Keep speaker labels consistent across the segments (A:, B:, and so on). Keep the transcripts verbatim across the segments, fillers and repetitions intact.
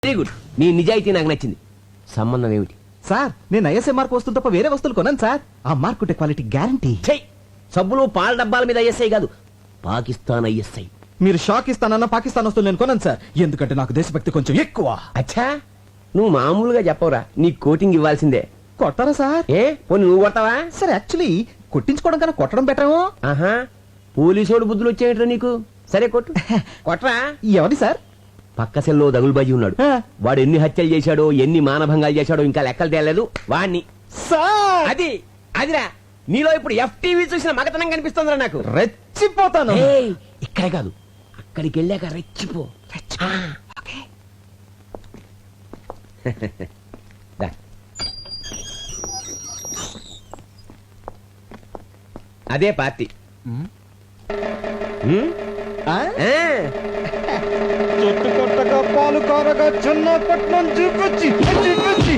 A: Very good. నీ నిజాయితీ నాకు నచ్చింది. సంబంధం ఏమిటి?
B: సార్ నేను ఐఎస్ఐ మార్క్ వస్తువులు తప్ప వేరే వస్తువులు కొన్నాను సార్. ఆ మార్క్ ఉంటే క్వాలిటీ గ్యారంటీ.
A: సబ్బులు పాల డబ్బాల మీద ఐఎస్ఐ కాదు, పాకిస్తాన్ ఐఎస్ఐ.
B: మీరు షాక్ ఇస్తానన్న పాకిస్తాన్ వస్తువులు నేను కొన్నాను సార్, ఎందుకంటే నాకు దేశభక్తి కొంచెం ఎక్కువ.
A: అచ్చా, నువ్వు మామూలుగా చెప్పవురా, నీ కోటింగ్ ఇవ్వాల్సిందే.
B: కొట్టారా సార్?
A: ఏ పోనీ నువ్వు కొడతావా?
B: సార్ యాక్చువల్లీ కొట్టించుకోవడం కన్నా కొట్టడం బెటరేమో.
A: ఆహా, పోలీసోడు బుద్ధులు వచ్చేయట్రా నీకు. సరే కొట్టు. కొట్టరా.
B: ఎవరి సార్?
A: పక్క సెల్లో దగులుబాజీ ఉన్నాడు. వాడు ఎన్ని హత్యలు చేశాడో, ఎన్ని మానభంగాలు చేశాడో ఇంకా లెక్కలు తేలేదు వాణ్ణి.
B: సార్
A: అది అదిరా, నీలో ఇప్పుడు ఎఫ్టీవీ చూసిన మగతనం కనిపిస్తుందిరా నాకు.
B: రెచ్చిపోతాను.
A: ఇక్కడ కాదు, అక్కడికి వెళ్ళాక రెచ్చిపో. దా. అదే పార్టీ.
B: చెట్టు కొట్టగా పాలు కారగా చిన్నపట్నం చూకొచ్చి చూకొచ్చి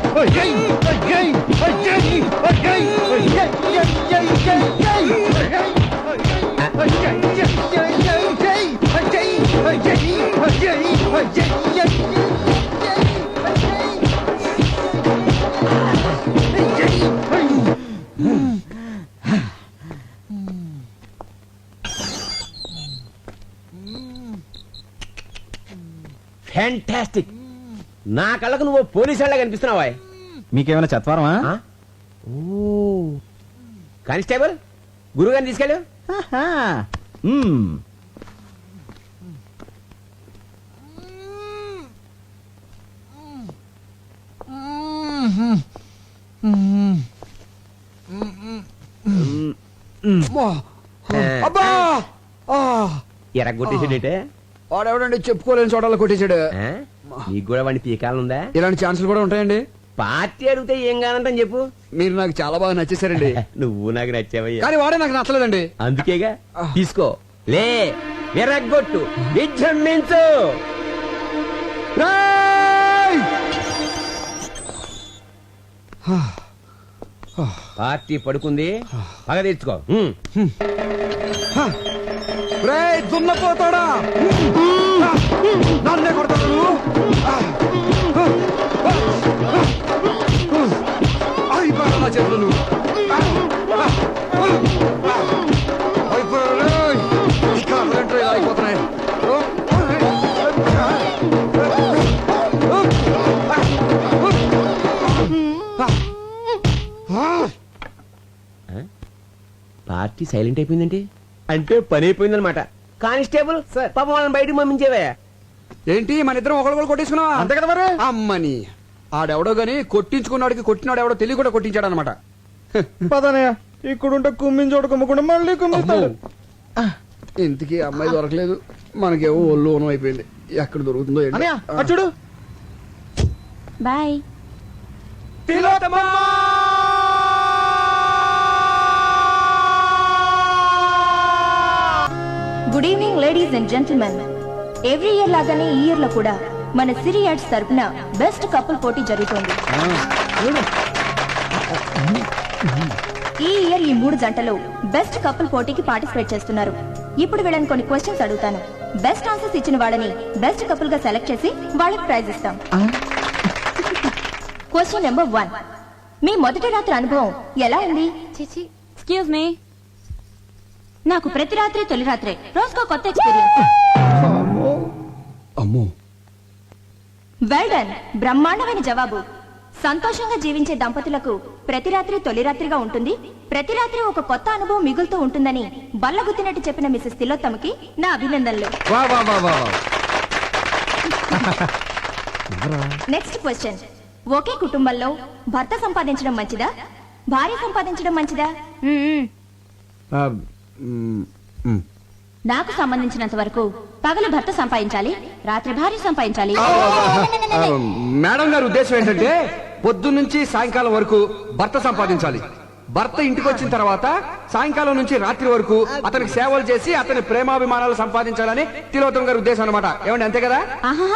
A: ఫ్యాంటాస్టిక్. నా కళ్ళకు నువ్వు పోలీసు వాళ్ళ కనిపిస్తున్నావా?
B: మీకేమైనా చత్వారమా?
A: ఓ కానిస్టేబుల్, గురుగారిని తీసుకెళ్ళు. ఎరగొట్టేసాడేటే
C: వాడెవడండి చెప్పుకోలేని చోటలో కొట్టేశాడు.
A: నీకు కూడా వాడిని పీకాలందా?
C: ఇలాంటి ఛాన్సులు కూడా ఉంటాయండి.
A: పార్టీ అడిగితే ఏం కానంటని చెప్పు.
C: మీరు నాకు చాలా బాగా నచ్చేసారండి.
A: నువ్వు నాకు నచ్చావయ్యా.
C: కానీ వాడే నాకు నచ్చలేదండి.
A: అందుకేగా తీసుకో. లే విరగొట్టు, విజృంభించు. పార్టీ పడుకుంది, పగ తెచ్చుకో.
C: దున్నపోతాడా, నన్నే కొడతాడు. అయిపోయాడు నా చేతులు. అయిపోతున్నాయి.
A: పార్టీ సైలెంట్ అయిపోయిందంటే అంటే పని అయిపోయిందనమాట. కానిస్టేబుల్ పాపం వాళ్ళని బయటకు పంపించేవా?
C: ఏంటి మన ఇద్దరం ఒకళ్ళు కొట్టించుకున్నావా?
B: అంతే కదా మరి.
C: అమ్మని ఆడెవడో గాని కొట్టించుకున్నాడికి కొట్టినాడు ఎవడో తెలియ కూడా కొట్టించాడు అనమాట.
B: పదనయ్య, ఇక్కడుంటే కుమ్మించోడు కుమ్మకుండా మళ్ళీ కుమ్మిస్తాడు.
C: ఇంతకీ అమ్మాయి దొరకలేదు, మనకేమో ఒళ్ళు ఓనం అయిపోయింది. ఎక్కడ దొరుకుతుందో
B: చూడు.
D: Bye. Good evening ladies and gentlemen. Every year లాగానే ఈ ఇయర్ లో కూడా మన సిరి యాడ్స్ తరపున బెస్ట్ కపుల్ పోటీ జరుగుతోంది. ఈ ఇయర్ ఈ మూడు జంటలు బెస్ట్ కపుల్ పోటీకి పార్టిసిపేట్ చేస్తున్నారు. ఇప్పుడు వీళ్ళని కొన్ని క్వశ్చన్స్ అడుగుతాను. బెస్ట్ ఆన్సర్స్ ఇచ్చిన వాళ్ళని బెస్ట్ కపుల్ గా సెలెక్ట్ చేసి వాళ్ళకి ప్రైజ్ ఇస్తాం. క్వశ్చన్ నెంబర్ వన్, మీ మొదటి రాత్రి అనుభవం ఎలా ఉంది?
E: ఎక్స్క్యూజ్ మీ,
D: నాకు ప్రతి రాత్రి తొలి రాత్రే, రోజుకో కొత్త ఎక్స్పీరియన్స్.
C: అమ్మో,
D: వెల్ డన్, బ్రహ్మాండమైన జవాబు. సంతోషంగా జీవించే దంపతులకు ప్రతి రాత్రి తొలి రాత్రిగా ఉంటుంది, ప్రతి రాత్రి ఒక కొత్త అనుభవం మిగులుతూ ఉంటుందని బల్లగుద్దినట్టు చెప్పిన మిసెస్ తిలోత్తమకి నా అభినందనలు. నెక్స్ట్ క్వశ్చన్, ఒకే కుటుంబంలో భర్త సంపాదించడం మంచిదా, భార్య సంపాదించడం మంచిదా? నాకు సంబంధించినంత వరకు పగలు భర్త సంపాదించాలి, రాత్రి భార్య సంపాదించాలి.
C: మేడం గారి ఉద్దేశం ఏంటంటే పొద్దున్న నుంచి సాయంకాలం వరకు భర్త సంపాదించాలి, భర్త ఇంటికి వచ్చిన తర్వాత సాయంకాలం నుంచి రాత్రి వరకు అతనికి సేవలు చేసి అతని ప్రేమాభిమానాలు సంపాదించాలని తిలోత్తమ గారి ఉద్దేశం అనమాట. ఏమండి అంతే కదా?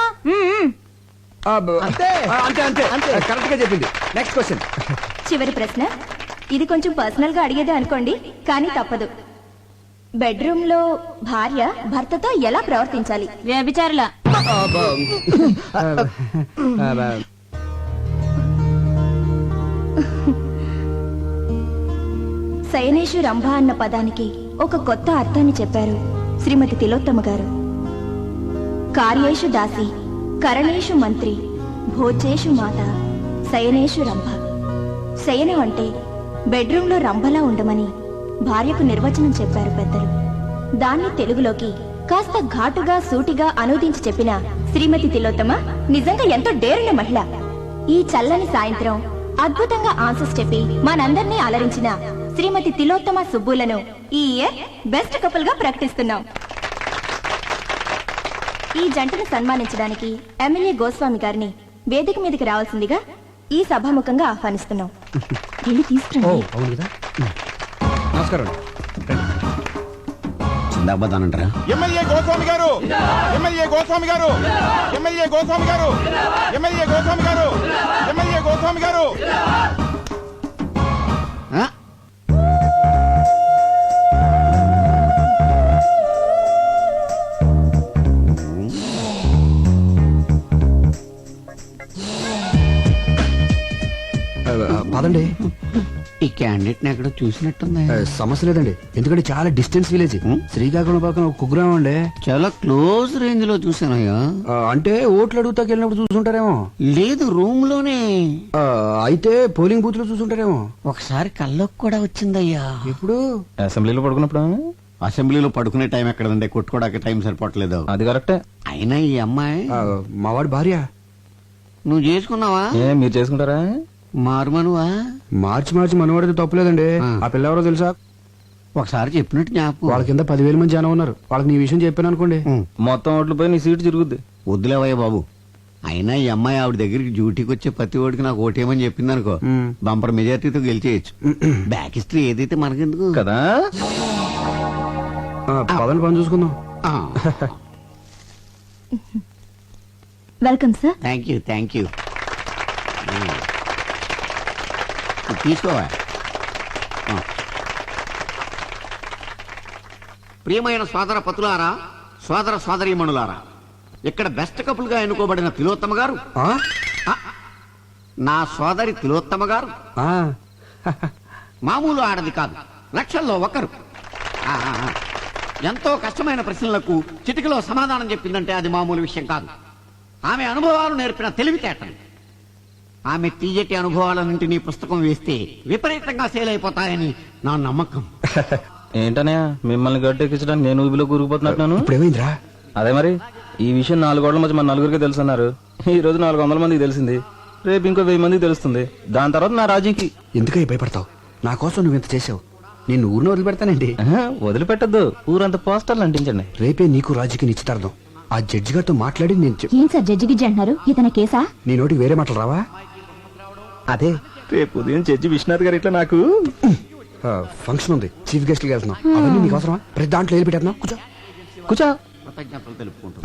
C: అంతే అంతే అంతే కరెక్ట్ గా చెప్పింది. Next question.
D: చివరి ప్రశ్న, ఇది కొంచెం పర్సనల్ గా అడిగేదే అనుకోండి, కానీ తప్పదు. బెడ్రూమ్ లో భార్య భర్తతో ఎలా ప్రవర్తించాలి?
E: వ్యభిచారుల
D: శయనేషు రంభ అన్న పదానికి ఒక కొత్త అర్థాన్ని చెప్పారు శ్రీమతి తిలోత్తమ గారు. కార్యేషు దాసి, కరణేషు మంత్రి, భోజేషు మాత, శయనేషు రంభ. శయనం అంటే బెడ్రూంలో రంభలా ఉండమని భార్యకు నిర్వచనం చెప్పారు పెద్దలు. దాన్ని తెలుగులోకి కాస్త ఘాటుగా సూటిగా అనువదించి చెప్పిన శ్రీమతి తిలోత్తమ నిజంగా ఎంతో డేరున్న మహిళ. ఈ చల్లని సాయంత్రం అద్భుతంగా ఆన్సర్స్ చెప్పి మనందరినీ అలరించిన శ్రీమతి తిలోత్తమ సుబ్బులను ఈ ఇయర్ బెస్ట్ కపుల్ గా ప్రకటిస్తున్నాం. ఈ జంటను సన్మానించడానికి ఎమ్మెల్యే గోస్వామి గారిని వేదిక మీదకి రావాల్సిందిగా ఈ సభాముఖంగా ఆహ్వానిస్తున్నాం. వెళ్ళి తీసుకురండి.
C: అవును కదా. నమస్కారం.
A: చిందాబాదానంటారా?
E: ఎమ్మెల్యే గోస్వామి గారు, ఎమ్మెల్యే గోస్వామి గారు, ఎమ్మెల్యే గోస్వామి గారు, ఎమ్మెల్యే గోస్వామి గారు, ఎమ్మెల్యే గోస్వామి గారు.
C: పదండి.
A: ఈ క్యాండిడేట్ ని ఎక్కడో చూసినట్టుంది.
C: ఆ, సమస్య లేదండి, ఎందుకంటే చాలా డిస్టెన్స్ విలేజ్. శ్రీకాకుళం పక్కన ఒక కుగ్రామం అండి.
A: చాలా క్లోజ్ రేంజ్ లో చూసానయ్యా.
C: ఆ, అంటే ఓట్లు అడుగుతాకి వెళ్ళినప్పుడు చూసుంటారేమో.
A: లేదు, రూమ్ లోనే.
C: ఆ, అయితే పోలింగ్ బూత్ లో చూసుంటారేమో.
A: ఒకసారి కల్లోకి కూడా వచ్చిందయ్యా.
C: ఇప్పుడు
B: అసెంబ్లీలో పడుకున్నప్పుడు
A: అసెంబ్లీలో పడుకునే టైం ఎక్కడండి, కొట్టుకోవడానికి టైం సరిపోవట్లేదు.
B: అది కరెక్టే.
A: అయినా ఈ అమ్మాయి
C: ఆ, మావాడి భార్య.
A: నువ్వు చేసుకున్నావా?
B: ఏ మీరు చేసుకుంటారా?
A: మారుమనువా?
C: మార్చి మార్చి మనవాడితే తప్పలేదండి.
A: ఆ.
C: ఆ పిల్ల ఎవరో తెలుసా?
A: ఒకసారి చెప్పినట్టు జ్ఞాపకం.
C: వాళ్ళ కింద పదివేల మంది జనం ఉన్నారు. వాళ్ళకి నీ విషయం చెప్పాను అనుకోండి.
A: ఉం.
B: మొత్తం ఓట్లు పోయి నీ సీటు తిరుగుద్ది.
A: వద్దులేవయ్య బాబు. అయినా ఈ అమ్మాయి ఆవిడ దగ్గరికి డ్యూటీకి వచ్చే ప్రతి ఓడికి నాకు ఓటేమని చెప్పింది అనుకో,
C: ఉం.
A: బంపర్ మెజార్టీతో గెలిచేయచ్చు. బ్యాక్ హిస్టరీ ఏదైతే మనకెందుకు
B: కదా.
C: ఆ, పదండి, పని చూసుకుందాం.
D: Welcome sir.
A: Thank you thank you. తీసుకోవా. ఆ. ప్రియమైన సోదర పతులారా, సోదర సోదరీమణులారా, ఇక్కడ బెస్ట్ కపుల్ గా ఎన్నుకోబడిన తిలోత్తమ గారు,
C: ఆ?
A: ఆ, నా సోదరి తిలోత్తమ గారు
C: ఆ.
A: మామూలు ఆడది కాదు, లక్షల్లో ఒకరు. ఆ, ఆ, ఆ. ఎంతో కష్టమైన ప్రశ్నలకు చిటికలో సమాధానం చెప్పిందంటే అది మామూలు విషయం కాదు. ఆమె అనుభవాలు నేర్పిన తెలివితేటలు. ఆమె తీయటి అనుభవాలన్నింటినీ పుస్తకం వేస్తే విపరీతంగా సేల్ అయిపోతాయని నా నమ్మకం.
B: ఏంటనయ్య మిమ్మల్ని గట్టెక్కించడానికి నేను ఊబిలో కూరుకుపోతున్నట్టున్నాను.
C: ఇప్పుడు ఏమైందిరా?
B: అదే మరి ఈ విషయం నాలుగు గోడల మధ్య మన నలుగురికి తెలుసున్నారు. ఈ రోజు నాలుగు వందల మందికి తెలిసింది, రేపు ఇంకో వెయ్యి మందికి తెలుస్తుంది. దాని తర్వాత నా రాజీకి.
C: ఎందుకై భయపడతావు? నా కోసం నువ్వు ఇంత చేసావు, నేను ఊరిని వదిలిపెడతానండి.
B: ఆహా, వదిలిపెట్టద్దు. ఊరంతా పోస్టర్లు అంటించండి.
C: రేపే నీకు రాజుకి నిశ్చితార్థం. ఆ జడ్జి గారితో మాట్లాడి నేను చెప్-
D: ఏం సార్ జడ్జి గిజ్జి అంటున్నారు? ఇతని కేసా?
C: నీ నోటికి వేరే మాటలు రావా?
B: అదే రేపు ఉదయం జడ్జి విశ్వనాథ్ గారు ఇట్లా నాకు
C: ఆ, ఫంక్షన్ ఉంది, చీఫ్ గెస్ట్ కి వెళ్తున్నాం. అవన్నీ నీకు అవసరమా? ప్రతి దాంట్లో వెళ్ళి పెట్టేస్తున్నాం. కూర్చో.
B: కూర్చో.
A: కృతజ్ఞతలు తెలుపుకుంటూ.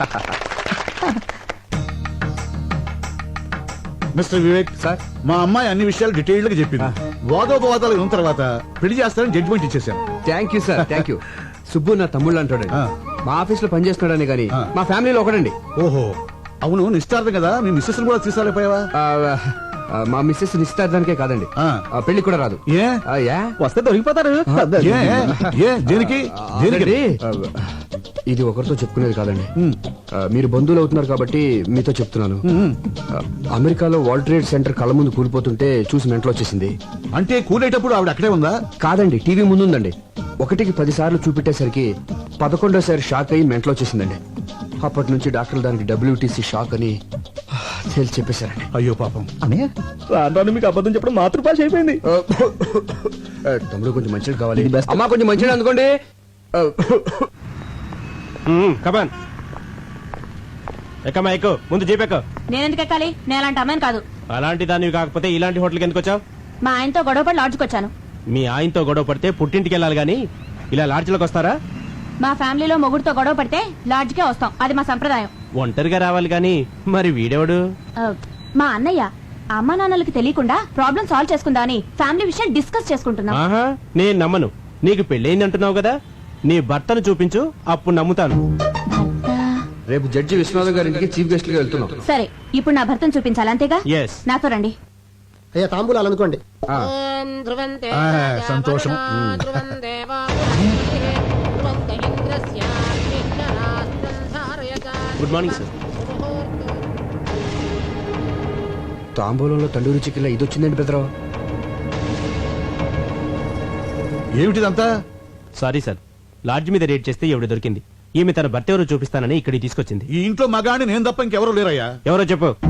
E: మిస్టర్ వివేక్ సార్, మా అమ్మాయి అన్ని విషయాలు డీటెయిల్డ్ గా చెప్పింది. వాదోపవాదాలు ఉన్న తర్వాత పెళ్లి చేస్తారని జడ్జిమెంట్ ఇచ్చేసాను.
C: Thank you sir, thank you. Subbu నా తమ్ముళ్ళు అంటాడండి.
E: ఆ.
C: మా ఆఫీస్ లో పనిచేస్తున్నాడని కానీ
E: ఆ.
C: మా ఫ్యామిలీలో ఒకడండి.
E: ఓహో, అవును, నిశ్చితార్థం కదా, మీ మిస్సెస్ కూడా తీసుకురాలేపోయావా?
C: ఆ, ఆ, మా మిస్సెస్ నిశ్చితార్థానికే కాదండి,
E: ఆ.
C: ఆ, పెళ్లికి కూడా రాదు.
E: ఏ
C: ఆ, యా?
B: వస్తే దొరికిపోతారు.
E: ఏ ఏ దేనికి దేనికి
C: ఆల్రెడీ, ఆ, ఇది ఒకరితో చెప్పుకునేది కాదండి. ఆ, మీరు బంధువులు అవుతున్నారు కాబట్టి మీతో చెప్తున్నాను. ఆ, అమెరికాలో వరల్డ్ ట్రేడ్ సెంటర్ కళ్ళ ముందు కూలిపోతుంటే చూసి మెంటలో వచ్చేసింది.
E: అంటే కూలేటప్పుడు ఆవిడ అక్కడే ఉందా?
C: కాదండి, టీవీ ముందుందండి. ఒకటికి పది సార్లు చూపెట్టేసరికి పదకొండోసారి షాక్ అయ్యి మెంటలో వచ్చేసిందండి. అప్పటి నుంచి డాక్టర్లు దానికి డబ్ల్యూటీసీ షాక్ అని తేల్చి చెప్పేశారండి.
E: అయ్యో పాపం.
B: అనే రాను మీకు అబద్ధం చెప్పడం మాతృభాష అయిపోయింది.
C: ఆ, ఆ, తమ్ముడు కొంచెం మంచిది కావాలి. అమ్మా కొంచెం మంచిది అందుకోండి.
F: కమాన్ ఎక్కమ్మా, ఎక్కు. ముందు జీపెక్కు.
D: నేనెందుకు ఎక్కాలి? నేను అలాంటి అమ్మాయిని కాదు.
F: అలాంటి దానివి కాకపోతే ఇలాంటి హోటల్కి ఎందుకు వచ్చావు?
D: మా ఆయనతో గొడవపడి లాడ్జ్కి వచ్చాను.
F: మీ ఆయనతో గొడవ పడితే పుట్టింటికి వెళ్ళాలి గాని ఇలా లాడ్జ్లోకి వస్తారా?
D: మా ఫ్యామిలీలో మొగుడుతో గొడవ పడితే లాడ్జ్కే వస్తాం, అది మా సంప్రదాయం.
F: ఒంటరిగా రావాలి గాని మరి వీడెవడు?
D: ఆ, మా అన్నయ్య అమ్మా నాన్నలకి తెలియకుండా ప్రాబ్లం సాల్వ్ చేసుకుందా అని ఫ్యామిలీ విషయం డిస్కస్ చేసుకుంటున్నాం.
F: ఆహా, నేను నమ్మను. నీకు పెళ్ళయింది అంటున్నావు కదా, నీ భర్తను చూపించు, అప్పుడు నమ్ముతాను.
D: భర్త
C: రేపు జడ్జి విశ్వనాథం గారింటికి చీఫ్ గెస్ట్ గా వెళ్తున్నాం.
D: సరే ఇప్పుడు నా భర్తను చూపించాలి అంతేగా?
F: ఎస్.
D: నాతో రండి.
G: అయ్యా తాంబూలాలు అందుకోండి.
C: ఆ,
E: సంతోషం.
F: Good morning sir.
C: తాంబూలంలో తండూరి చికెన్ ఇది వచ్చిందండి పెద్దరావు.
E: ఏమిటిదంతా?
F: సారీ సార్, లాడ్జ్ మీద రేట్ చేస్తే ఎవడు దొరికింది. ఈమె తన భర్త ఎవరో చూపిస్తానని ఇక్కడికి తీసుకొచ్చింది.
E: ఈ ఇంట్లో మగాడిని నేను తప్ప ఇంకెవరూ లేరయ్యా.
F: ఎవరో చెప్పు.